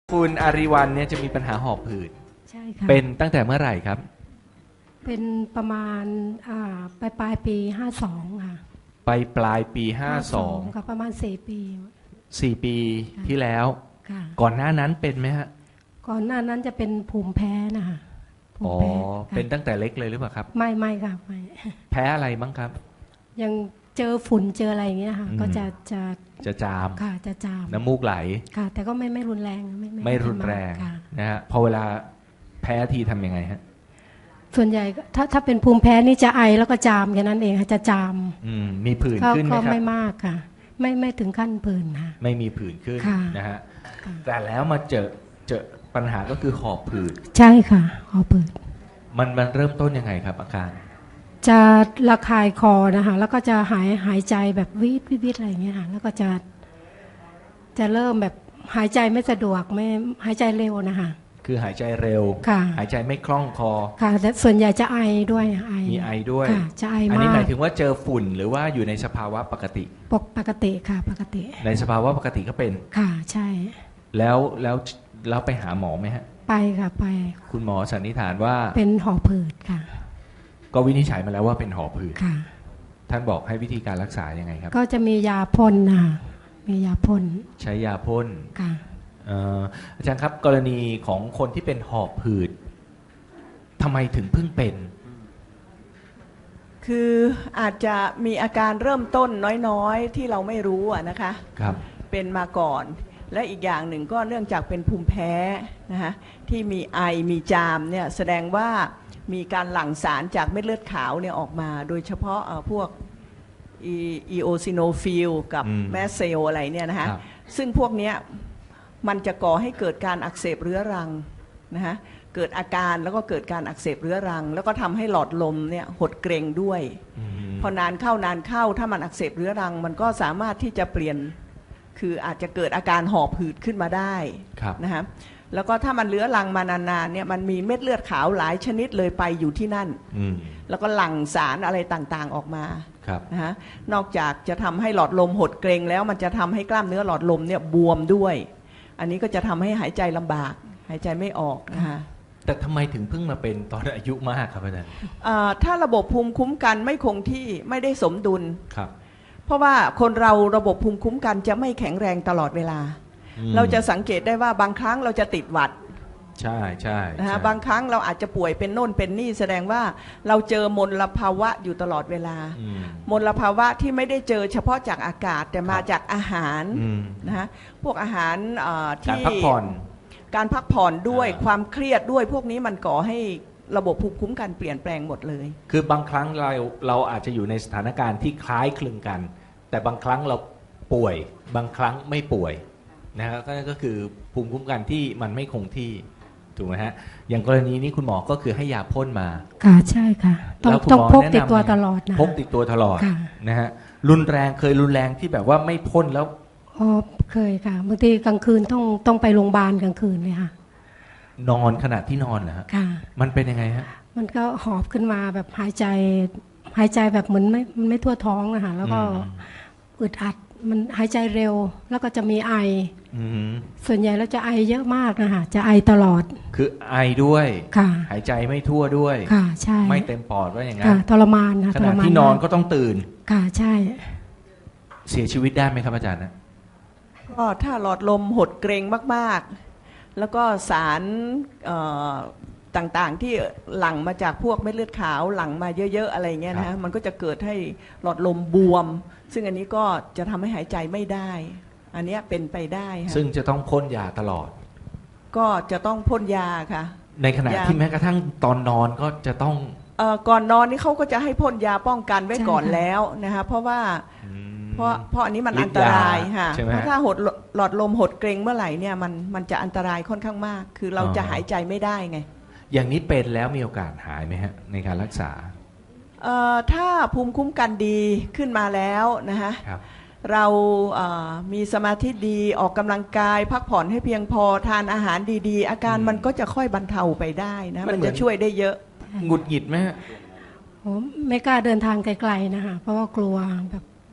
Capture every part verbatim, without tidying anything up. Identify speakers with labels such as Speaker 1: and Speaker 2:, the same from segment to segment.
Speaker 1: คุณอาริวัลเนี่ยจะมีปัญหาหอบหืด
Speaker 2: ใช่ค่ะ
Speaker 1: เป็นตั้งแต่เมื่อไหร่ครับ
Speaker 2: เป็นประมาณอ่าปลายปลายปีห้าสองค่ะ
Speaker 1: ไปปลายปีห้าสอง
Speaker 2: ค่ะประมาณสี่ปี
Speaker 1: สี่ปีที่แล้ว
Speaker 2: ค่ะ
Speaker 1: ก่อนหน้านั้นเป็นไหมฮะ
Speaker 2: ก่อนหน้านั้นจะเป็นภูมิแพ้นะคะภู
Speaker 1: อ๋อ
Speaker 2: มิแพ้
Speaker 1: เป็นตั้งแต่เล็กเลยหรือเปล่าครับ
Speaker 2: ไม่ไม่ค่ะไม่
Speaker 1: แพ้อะไรบ้างครับ
Speaker 2: ยังเจอฝุ่นเจออะไรอย่างเงี้ยค่ะก็จะจะ
Speaker 1: จะจาม
Speaker 2: ค่ะจะจาม
Speaker 1: น้ำมูกไหล
Speaker 2: ค่ะแต่ก็ไม่ไม่รุนแรงไม่
Speaker 1: ไม่รุนแรงนะฮะพอเวลาแพ้ทีทำยังไงฮะ
Speaker 2: ส่วนใหญ่ถ้าถ้าเป็นภูมิแพ้นี่จะไอแล้วก็จามแค่นั้นเองค่ะจะจาม
Speaker 1: อืมมีผื่นขึ้นไหมครับ
Speaker 2: ก็ไม่มากค่ะไม่ไม่ถึงขั้นผื่นค่ะ
Speaker 1: ไม่มีผื่นขึ้นนะฮะแต่แล้วมาเจอเจอปัญหาก็คือหอบผืด
Speaker 2: ใช่ค่ะหอบผืด
Speaker 1: มันมันเริ่มต้นยังไงครับอาการ
Speaker 2: จะระคายคอนะคะแล้วก็จะหายหายใจแบบวิดวิดวิดอะไรอย่างเงี้ยค่ะแล้วก็จะจะเริ่มแบบหายใจไม่สะดวกไม่หายใจเร็วนะคะ
Speaker 1: คือหายใจเร็วหายใจไม่คล่องคอ
Speaker 2: ค่ะแต่ส่วนใหญ่จะไอด้วยไอ
Speaker 1: มีไอด้วย
Speaker 2: จะไอมาก
Speaker 1: อันนี้หมายถึงว่าเจอฝุ่นหรือว่าอยู่ในสภาวะปกติ
Speaker 2: ปกปกติค่ะปกติ
Speaker 1: ในสภาวะปกติก็เป็น
Speaker 2: ค่ะใช่
Speaker 1: แล้วแล้วแล้วไปหาหมอไหมฮะ
Speaker 2: ไปค่ะไป
Speaker 1: คุณหมอสันนิษฐานว่า
Speaker 2: เป็นหอบผืดค่ะ
Speaker 1: ก็วินิจฉัยมาแล้วว่าเป็นหอบหืด
Speaker 2: ค่ะ
Speaker 1: ท่านบอกให้วิธีการรักษายังไงครับ
Speaker 2: ก็จะมียาพ่นนะมียาพ่น
Speaker 1: ใช้ยาพ่น
Speaker 2: ค่ะ
Speaker 1: อาจารย์ครับกรณีของคนที่เป็นหอบหืดทำไมถึงเพิ่งเป็น
Speaker 3: คืออาจจะมีอาการเริ่มต้นน้อยๆที่เราไม่รู้อะนะคะ
Speaker 1: ครับ
Speaker 3: เป็นมาก่อนและอีกอย่างหนึ่งก็เนื่องจากเป็นภูมิแพ้นะคะที่มีไอมีจามเนี่ยแสดงว่ามีการหลั่งสารจากเม็ดเลือดขาวเนี่ยออกมาโดยเฉพาะพวกอีโอซิโนฟิลกับแมสเซลอะไรเนี่ยนะคะซึ่งพวกเนี้ยมันจะก่อให้เกิดการอักเสบเรื้อรังนะคะเกิดอาการแล้วก็เกิดการอักเสบเรื้อรังแล้วก็ทำให้หลอดลมเนี่ยหดเกร็งด้วยพอนานเข้านานเข้าถ้ามันอักเสบเรื้อรังมันก็สามารถที่จะเปลี่ยนคืออาจจะเกิดอาการหอบหืดขึ้นมาได้นะคะแล้วก็ถ้ามันเลื้อรังมานานๆเนี่ยมันมีเม็ดเลือดขาวหลายชนิดเลยไปอยู่ที่นั่นแล้วก็หลั่งสารอะไรต่างๆออกมานะฮะนอกจากจะทำให้หลอดลมหดเกร็งแล้วมันจะทำให้กล้ามเนื้อหลอดลมเนี่ยบวมด้วยอันนี้ก็จะทำให้หายใจลำบากหายใจไม่ออกนะคะ
Speaker 1: แต่ทำไมถึงเพิ่งมาเป็นตอนอายุมากครับอาจารย์
Speaker 3: ถ้าระบบภูมิคุ้มกันไม่คงที่ไม่ได้สมดุล
Speaker 1: ครับ
Speaker 3: เพราะว่าคนเราระบบภูมิคุ้มกันจะไม่แข็งแรงตลอดเวลาเราจะสังเกตได้ว่าบางครั้งเราจะติดหวัด
Speaker 1: ใช่ใช่
Speaker 3: นะฮะบางครั้งเราอาจจะป่วยเป็นโน่นเป็นนี่แสดงว่าเราเจอมลภาวะอยู่ตลอดเวลามลภาวะที่ไม่ได้เจอเฉพาะจากอากาศแต่มาจากอาหารนะฮะพวกอาหารที่
Speaker 1: การพักผ่อน
Speaker 3: การพักผ่อนด้วยความเครียดด้วยพวกนี้มันก่อให้ระบบภูมิคุ้มกันเปลี่ยนแปลงหมดเลย
Speaker 1: คือบางครั้งเราเราอาจจะอยู่ในสถานการณ์ที่คล้ายคลึงกันแต่บางครั้งเราป่วยบางครั้งไม่ป่วยนะครับก็คือภูมิคุ้มกันที่มันไม่คงที่ถูกไหมฮะอย่างกรณีนี้คุณหมอก็คือให้ยาพ่นมา
Speaker 2: ค่ะใช่ค่ะต้องต้องพกติดตัวตลอดนะ
Speaker 1: พกติดตัวตลอดนะฮะรุนแรงเคยรุนแรงที่แบบว่าไม่พ่นแล้ว
Speaker 2: อ๋อเคยค่ะบางทีกลางคืนต้องต้องไปโรงพยาบาลกลางคืนเลยค่ะ
Speaker 1: นอนขณะที่นอนเหรอฮะ
Speaker 2: ค่ะ
Speaker 1: มันเป็นยังไงฮะ
Speaker 2: มันก็หอบขึ้นมาแบบหายใจหายใจแบบเหมือนไม่มันไม่ทั่วท้องอะค่ะแล้วก็อึดอัดมันหายใจเร็วแล้วก็จะมีไอส่วนใหญ่แล้วจะไอเยอะมากนะคะจะไอตลอด
Speaker 1: คือไอด้วย
Speaker 2: ค่ะ
Speaker 1: หายใจไม่ทั่วด้วย
Speaker 2: ค่ะใช่
Speaker 1: ไม่เต็มปอดว่าอย่างนั้
Speaker 2: นทรมานค่ะ
Speaker 1: ขณะที่นอนก็ต้องตื่น
Speaker 2: ค่ะใช่
Speaker 1: เสียชีวิตได้ไหมครับอาจารย์นะ
Speaker 3: ก็ถ้าหลอดลมหดเกร็งมากๆแล้วก็สารต่างๆที่หลั่งมาจากพวกเม็ดเลือดขาวหลั่งมาเยอะๆอะไรเงี้ยนะมันก็จะเกิดให้หลอดลมบวมซึ่งอันนี้ก็จะทำให้หายใจไม่ได้อันนี้เป็นไปได้ค่ะ
Speaker 1: ซึ่งจะต้องพ่นยาตลอด
Speaker 3: ก็จะต้องพ่นยาค่ะ
Speaker 1: ในขณะที่แม้กระทั่งตอนนอนก็จะต้อง
Speaker 3: เอ่อก่อนนอนนี่เขาก็จะให้พ่นยาป้องกันไว้ก่อนแล้วนะคะเพราะว่าเพราะเพราะอันนี้มันอันตรายค่ะเพราะถ้าหดหลอดลมหดเกร็งเมื่อไหร่เนี่ยมันมันจะอันตรายค่อนข้างมากคือเราจะหายใจไม่ได้ไง
Speaker 1: อย่างนี้เป็นแล้วมีโอกาสหายไหมฮะในการรักษา
Speaker 3: เอ่อถ้าภูมิคุ้มกันดีขึ้นมาแล้วนะฮะเราเอ่อมีสมาธิดีออกกำลังกายพักผ่อนให้เพียงพอทานอาหารดีๆอาการมันก็จะค่อยบรรเทาไปได้นะมันจะช่วยได้เยอะ
Speaker 1: หงุดหงิดไหมฮะ
Speaker 2: ผมไม่กล้าเดินทางไกลๆนะคะเพราะว่ากลัวแบบ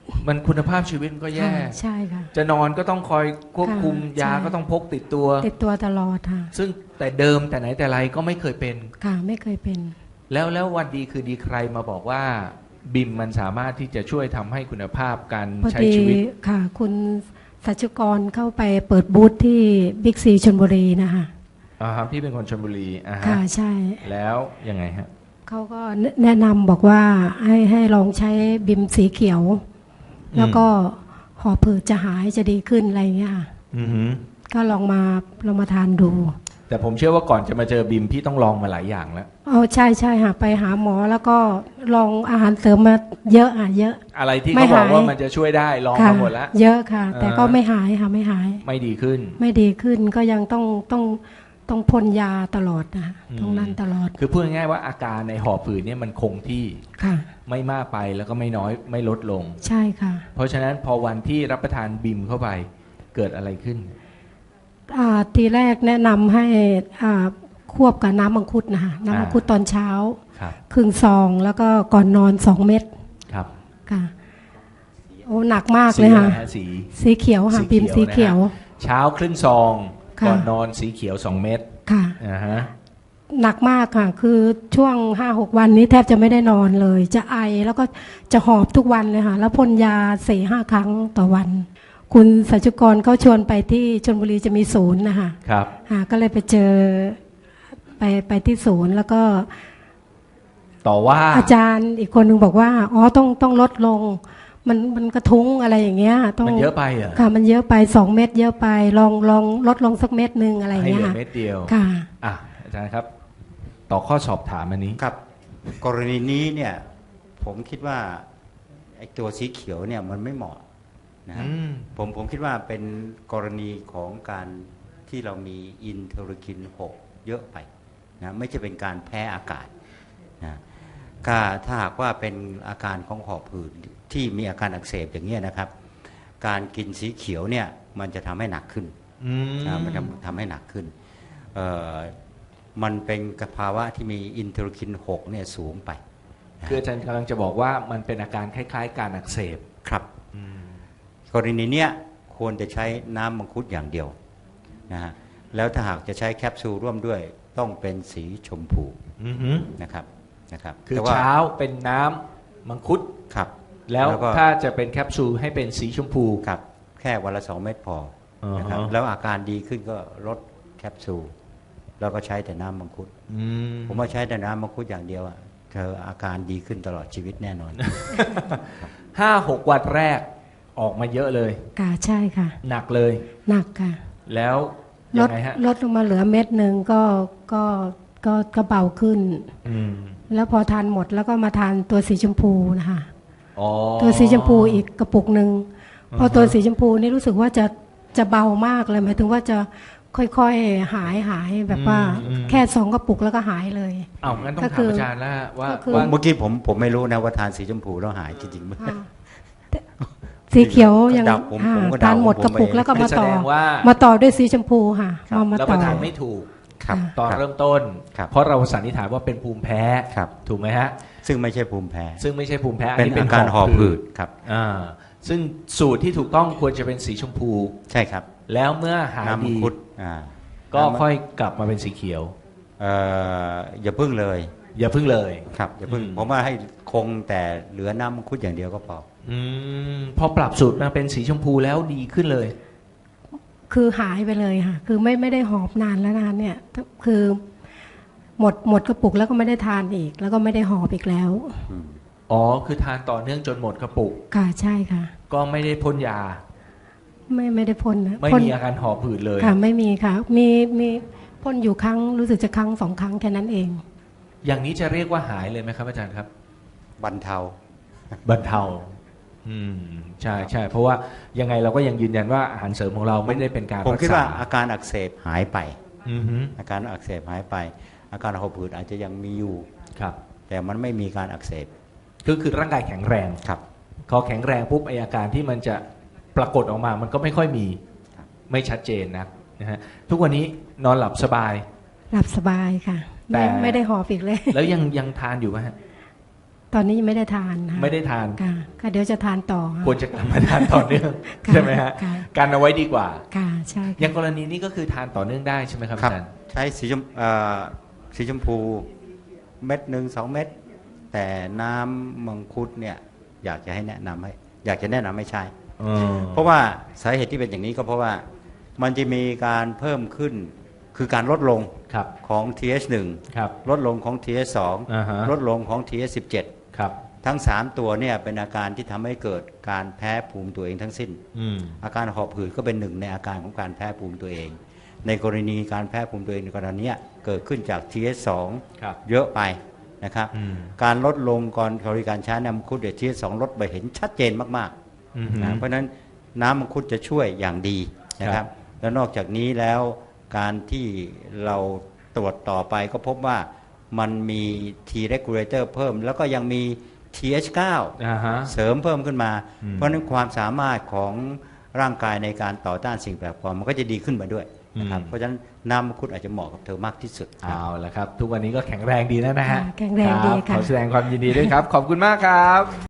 Speaker 1: มันคุณภาพชีวิตมันก็แย่
Speaker 2: ค่ะใช่ค่ะ
Speaker 1: จะนอนก็ต้องคอยควบคุม
Speaker 2: ค่ะ
Speaker 1: ยา
Speaker 2: ใช่
Speaker 1: ก็ต้องพกติดตัว
Speaker 2: ติดตัวตลอดค่ะ
Speaker 1: ซึ่งแต่เดิมแต่ไหนแต่ไรก็ไม่เคยเป็น
Speaker 2: ค่ะไม่เคยเป็น
Speaker 1: แล้วแล้ววันดีคือดีใครมาบอกว่าบิมมันสามารถที่จะช่วยทำให้คุณภาพการ
Speaker 2: พอ
Speaker 1: ใช้
Speaker 2: ดี
Speaker 1: ชีวิต
Speaker 2: ค่ะ คุณสัชกรเข้าไปเปิดบูธที่บิ๊กซีชลบุรีนะคะ
Speaker 1: อ่าครับพี่เป็นคนชลบุรีอ่าฮะ
Speaker 2: ค่ะใช่
Speaker 1: แล้วยังไงฮะ
Speaker 2: เขาก็แนะนำบอกว่าให้ให้ลองใช้บิมสีเขียว แล้วก็หอบผืดจะหายจะดีขึ้นอะไรอย่างเงี้ยค่ะ
Speaker 1: อือหือ
Speaker 2: ก็ลองมาลองมาทานดู
Speaker 1: แต่ผมเชื่อว่าก่อนจะมาเจอบิมพี่ต้องลองมาหลายอย่างแล้ว
Speaker 2: อ๋อใช่ใช่ค่ะไปหาหมอแล้วก็ลองอาหารเสริมมาเยอะอ่ะเยอะ
Speaker 1: อะไรที่
Speaker 2: ไม่
Speaker 1: เขาบอก
Speaker 2: หาย
Speaker 1: ว่ามันจะช่วยได้ลอง
Speaker 2: ค่ะ
Speaker 1: มาหมดแล้ว
Speaker 2: เยอะค่ะ แต่ก็
Speaker 1: อ่า
Speaker 2: ไม่หายค่ะไม่หาย
Speaker 1: ไม่ดีขึ้น
Speaker 2: ไม่ดีขึ้นก็ยังต้องต้องต้องพ่นยาตลอดนะ
Speaker 1: อืม
Speaker 2: ต้องนั่นตลอด
Speaker 1: คือพูดง่ายๆว่าอาการในหอบผืดเนี่ยมันคงที่
Speaker 2: ค่ะ
Speaker 1: ไม่มากไปแล้วก็ไม่น้อยไม่ลดลง
Speaker 2: ใช่ค่ะ
Speaker 1: เพราะฉะนั้นพอวันที่รับประทานบิมเข้าไปเกิดอะไรขึ้น
Speaker 2: อ่าทีแรกแนะนำให้อ่าควบกับน้ำมังคุดนะคะน้ำมังคุดตอนเช้า
Speaker 1: ครับ
Speaker 2: ครึ่งซองแล้วก็ก่อนนอนสองเม็ด
Speaker 1: ครับ
Speaker 2: ค่ะโอ้หนักมาก
Speaker 1: สี
Speaker 2: เลย
Speaker 1: อะไร
Speaker 2: ค่ะ
Speaker 1: ฮะสี
Speaker 2: สีเขียวค่ะ
Speaker 1: สี
Speaker 2: พิมพ์สี
Speaker 1: เขี
Speaker 2: เขี
Speaker 1: ย
Speaker 2: ยว ว
Speaker 1: นะฮะ เช้าครึ่งซอง
Speaker 2: ค่ะ
Speaker 1: ก่อนนอนสีเขียวสองเม็ด
Speaker 2: ค่ะ
Speaker 1: อ่าฮะ
Speaker 2: หนักมากค่ะ คือช่วงห้าหกวันนี้แทบจะไม่ได้นอนเลย จะไอแล้วก็จะหอบทุกวันเลยค่ะ แล้วพ่นยาสี่ห้าครั้งต่อวัน คุณสัจจุกรเขาชวนไปที่ชลบุรีจะมีศูนย์นะคะ
Speaker 1: ครับ
Speaker 2: อ่าก็เลยไปเจอไปไปที่ศูนย์แล้วก็
Speaker 1: ต่อว่า
Speaker 2: อาจารย์อีกคนหนึ่งบอกว่าอ๋อต้องต้องลดลง มันมันกระทุ้งอะไรอย่างเงี้ยต้อง
Speaker 1: มันเยอะไปเหรอ
Speaker 2: ค่ะมันเยอะไปสองเม็ดเยอะไปลองลองลดลงสักเม็ดหนึ่งอะไรอย่าง
Speaker 1: ให้
Speaker 2: เงี้
Speaker 1: เห
Speaker 2: ย
Speaker 1: ลือ
Speaker 2: ค่ะ
Speaker 1: เม็ดเดียว
Speaker 2: ค่ะ
Speaker 1: อ่ะอาจารย์ครับ ต่อข้อสอบถามอันนี้
Speaker 4: ครับกรณีนี้เนี่ยผมคิดว่าไอ้ตัวสีเขียวเนี่ยมันไม่เหมาะนะฮะ
Speaker 1: อืม
Speaker 4: ผมผมคิดว่าเป็นกรณีของการที่เรามีอินเทอร์คินหกเยอะไปนะไม่ใช่เป็นการแพ้อากาศนะก็ถ้าหากว่าเป็นอาการของหอบหืดที่มีอาการอักเสบอย่างเงี้ยนะครับ การกินสีเขียวเนี่ยมันจะทำให้หนักขึ้น
Speaker 1: อืม
Speaker 4: นะมันทำทำให้หนักขึ้นเอ่อมันเป็นภาวะที่มีอินเทอร์คินหกเนี่ยสูงไปนะ
Speaker 1: คืออาจารย์กำลังจะบอกว่ามันเป็นอาการคล้ายๆ การอักเสบ
Speaker 4: ครับ
Speaker 1: อืม
Speaker 4: กรณีเนี้ยควรจะใช้น้ำมังคุดอย่างเดียวนะฮะแล้วถ้าหากจะใช้แคปซูลร่วมด้วยต้องเป็นสีชมพู
Speaker 1: อือหือ
Speaker 4: นะครับนะครับ
Speaker 1: คือ
Speaker 4: แต่ว่า
Speaker 1: เช้าเป็นน้ำมังคุด
Speaker 4: ครับ
Speaker 1: แล้ว
Speaker 4: ก็
Speaker 1: ถ้าจะเป็นแคปซูลให้เป็นสีชมพู
Speaker 4: ครับแค่วันละสองเม็ดพอนะครับ
Speaker 1: อ่าฮะ
Speaker 4: แล้วอาการดีขึ้นก็ลดแคปซูลแล้วก็ใช้แต่น้ำมังคุด
Speaker 1: อืม
Speaker 4: ผมว่าใช้แต่น้ำมังคุดอย่างเดียวอะเธออาการดีขึ้นตลอดชีวิตแน่นอน
Speaker 1: ห้าหกวันแรกออกมาเยอะเลย
Speaker 2: ค่ะใช่ค่ะ
Speaker 1: หนักเลย
Speaker 2: หนักค่ะ
Speaker 1: แล้ว
Speaker 2: ล
Speaker 1: ยั
Speaker 2: ด
Speaker 1: งไงฮะ
Speaker 2: ลดลงมาเหลือเม็ดหนึ่งก็ก็ก็ก็เบาขึ้น
Speaker 1: อืม
Speaker 2: แล้วพอทานหมดแล้วก็มาทานตัวสีชมพูนะคะ
Speaker 1: อ๋อ
Speaker 2: ตัวสีชมพูอีกกระปุกหนึ่ง
Speaker 1: อ่าฮะ
Speaker 2: พอตัวสีชมพูนี่รู้สึกว่าจะจะเบามากเลยหมายถึงว่าจะค่อยๆหายหายแบบว่าแค่สองกระปุกแล้วก็หายเลย
Speaker 1: อ้าวงั้นต้อง
Speaker 2: ก็
Speaker 1: ถา
Speaker 2: คื
Speaker 1: ม
Speaker 2: อ
Speaker 1: อาจารย์แล้วฮะว่า
Speaker 2: ก็คือ
Speaker 1: ว่า
Speaker 4: เมื่อกี้ผมผมไม่รู้นะว่าทานสีชมพูแล้วหายจริงๆไหม
Speaker 2: อ่าแต่สีเขียวยัง
Speaker 4: เดาผม
Speaker 2: อ่า
Speaker 4: ผมก็เดา
Speaker 2: ทานหมด
Speaker 4: ผม
Speaker 2: กระปุก
Speaker 4: เอง
Speaker 2: แล้วก็มา
Speaker 1: แส
Speaker 2: ต่อ
Speaker 1: ดงว่า
Speaker 2: มาต่อด้วยสีชมพูค่ะ
Speaker 4: ครับ
Speaker 2: มามา
Speaker 1: รับป
Speaker 2: ต่อ
Speaker 1: ระทานไม่ถูก
Speaker 4: ครับ
Speaker 1: ตอน
Speaker 4: ครับ
Speaker 1: เริ่มต้น
Speaker 4: ครับ
Speaker 1: เพราะเราสันนิษฐานว่าเป็นภูมิแพ้
Speaker 4: ครับ
Speaker 1: ถูกไหมฮะ
Speaker 4: ซึ่งไม่ใช่ภูมิแพ้
Speaker 1: ซึ่งไม่ใช่ภูมิแพ้
Speaker 4: เป็นอาการหอบหืดครับ
Speaker 1: อ่าซึ่งสูตรที่ถูกต้องควรจะเป็นสีชมพู
Speaker 4: ใช่ครับ
Speaker 1: แล้วเมื่อหาย
Speaker 4: น้ำมัง
Speaker 1: ดี
Speaker 4: คุดอ่า
Speaker 1: ก็
Speaker 4: น้ำ
Speaker 1: ค่อยกลับมาเป็นสีเขียว
Speaker 4: เอ่ออย่าพึ่งเลย
Speaker 1: อย่าพึ่งเลย
Speaker 4: ครับอย่าพึ่ง
Speaker 1: อืม
Speaker 4: ผมว่าให้คงแต่เหลือน้ำมังคุดอย่างเดียวก็พอ
Speaker 1: อืมพอปรับสูตรมาเป็นสีชมพูแล้วดีขึ้นเลย
Speaker 2: คือหายไปเลยค่ะ คือไม่ไม่ได้หอบนานแล้วนานเนี่ย คือหมดหมดกระปุกแล้วก็ไม่ได้ทานอีก แล้วก็ไม่ได้หอบอีกแล้ว
Speaker 4: อืม
Speaker 1: อ๋อ คือทานต่อเนื่องจนหมดกระปุก
Speaker 2: ค่ะใช่ค่ะ
Speaker 1: ก็ไม่ได้พ่นยา
Speaker 2: ไม่ไม่ได้พ่นนะ
Speaker 1: ไม่
Speaker 2: พ่น
Speaker 1: มีอาการหอบหืดเลย
Speaker 2: ค่ะไม่มีค่ะ มีมีพ่นอยู่ครั้งรู้สึกจะครั้งสองครั้งแค่นั้นเอง
Speaker 1: อย่างนี้จะเรียกว่าหายเลยไหมครับอาจารย์ครับ
Speaker 4: บรรเทา
Speaker 1: บรรเทา อืม ใช่ใช่ เพราะว่ายังไงเราก็ยังยืนยันว่าอาหารเสริมของเราไม่ได้เป็นการ
Speaker 4: ผม
Speaker 1: รัก
Speaker 4: คิด
Speaker 1: ษา
Speaker 4: ว่าอาการอักเสบหายไป
Speaker 1: อือฮึ
Speaker 4: อาการอักเสบหายไป อาการหอบหืดอาจจะยังมีอยู่
Speaker 1: ครับ
Speaker 4: แต่มันไม่มีการอักเสบ
Speaker 1: ก็คือร่างกายแข็งแรง
Speaker 4: ครับ
Speaker 1: พอแข็งแรงปุ๊บไออาการที่มันจะปรากฏออกมา มันก็ไม่ค่อยมี
Speaker 4: ครับ
Speaker 1: ไม่ชัดเจนนะนะฮะ ทุกวันนี้นอนหลับสบาย
Speaker 2: หลับสบายค่ะ
Speaker 1: แต่
Speaker 2: ไม่ไม่ได้หอบอีกเลย
Speaker 1: แล้วยังยังทานอยู่ไหมฮะ
Speaker 2: ตอนนี้ยังไม่ได้ทานค่ะ
Speaker 1: ไม่ได้ทาน
Speaker 2: ค่ะก็เดี๋ยวจะทานต่อค่ะ
Speaker 1: ควรจะกลับมาทานต่อเนื่อง
Speaker 2: ค่ะ
Speaker 1: ใช่ไหมฮะ
Speaker 2: ค่ะ
Speaker 1: การเอาไว้ดีกว่า
Speaker 2: ค่ะใช่
Speaker 1: อย่างกรณีนี้ก็คือทานต่อเนื่องได้ใช่ไหมครับ
Speaker 4: ครับ
Speaker 1: อาจารย์
Speaker 4: ใช้สีชมเอ่อสีชมพูเม็ดหนึ่งสองเม็ดแต่น้ำมังคุดเนี่ยอยากจะให้แนะนำให้อยากจะแนะนำให้ใช้
Speaker 1: อ๋อ
Speaker 4: เพราะว่าสาเหตุที่เป็นอย่างนี้ก็เพราะว่ามันจะมีการเพิ่มขึ้นคือการลดลง
Speaker 1: ครับ
Speaker 4: ของ ที เอช หนึ่ง
Speaker 1: ครับ
Speaker 4: ลดลงของ ที เอช สอง
Speaker 1: อ่าฮะ
Speaker 4: ลดลงของ ที เอช สิบเจ็ด
Speaker 1: ครับ
Speaker 4: ทั้งสามตัวเนี่ยเป็นอาการที่ทำให้เกิดการแพ้ภูมิตัวเองทั้งสิ้น
Speaker 1: อืม
Speaker 4: อาการหอบหืดก็เป็นหนึ่งในอาการของการแพ้ภูมิตัวเอง ในกรณีการแพ้ภูมิตัวเองในกรณีเนี้ยเกิดขึ้นจาก ที เอช สอง
Speaker 1: ครับ
Speaker 4: เยอะไปนะครับ
Speaker 1: อืม
Speaker 4: การลดลงก่อนบริการใช้น้ำมังคุดเดี๋ยว ที เอช สอง ลดไปเห็นชัดเจนมาก
Speaker 1: อืม
Speaker 4: ๆนะเพราะฉะนั้นน้ำมังคุดจะช่วยอย่างดีนะค
Speaker 1: ครั
Speaker 4: รับบ แล้วนอกจากนี้แล้วการที่เราตรวจต่อไปก็พบว่ามันมี T regulator เพิ่ม แล้วก็ยังมี ที เอช เก้า
Speaker 1: อ่าฮะ
Speaker 4: เสริมเพิ่มขึ้นมา
Speaker 1: อืม
Speaker 4: เพราะฉะนั้นความสามารถของร่างกายในการต่อต้านสิ่งแปลกปลอมมันก็จะดีขึ้นมาด้วยนะครับ
Speaker 1: อืม
Speaker 4: เพราะฉะนั้นน้ำมังคุดอาจจะเหมาะกับเธอมากที่สุดครับ
Speaker 1: เอาละครับ ทุกวันนี้ก็แข็งแรงดีแล้วนะฮะ
Speaker 2: ค่ะแข็งแรงดี
Speaker 1: รับ
Speaker 2: ค่ะ
Speaker 1: ขอแสดงความยินดีด้วยครับ ขอบคุณมากครับ